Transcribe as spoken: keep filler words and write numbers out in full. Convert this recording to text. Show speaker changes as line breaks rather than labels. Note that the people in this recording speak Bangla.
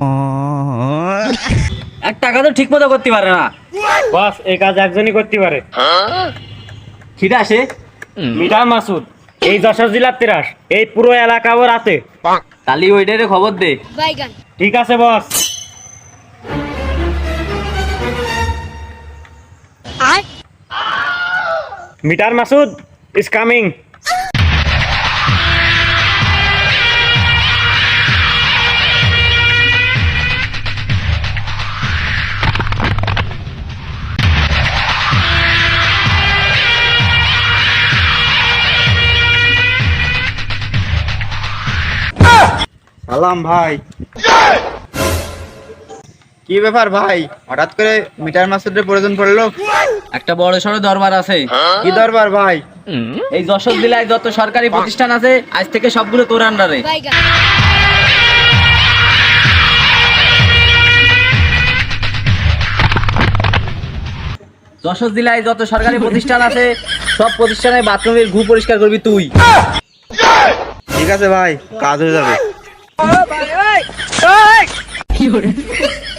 একটা কাজ ঠিক মতো করতে পারে না
বস, এই কাজ একজনই করতে পারে।
খিদা আসে
মিটার মাসুদ, এই যশোর জেলার তিরাস, এই পুরো এলাকা ওর আছে।
তালি ওইটারে খবর দে।
ঠিক আছে boss. Mister Masud is coming.
সালাম ভাই। কি ব্যাপার ভাই, হঠাৎ করে মিটার মাসুদের প্রয়োজন পড়লো?
একটা বড় সড়ো দরবার আছে।
কি দরবার ভাই?
এই যশোর জেলায় যত সরকারি প্রতিষ্ঠান আছে আজ থেকে সবগুলো তোর আন্ডারে। যশোর জেলায় যত সরকারি প্রতিষ্ঠান আছে সব প্রতিষ্ঠানের বাথরুমের ঘু পরিষ্কার করবি তুই।
ঠিক আছে ভাই, কাজ হয়ে যাবে।
কি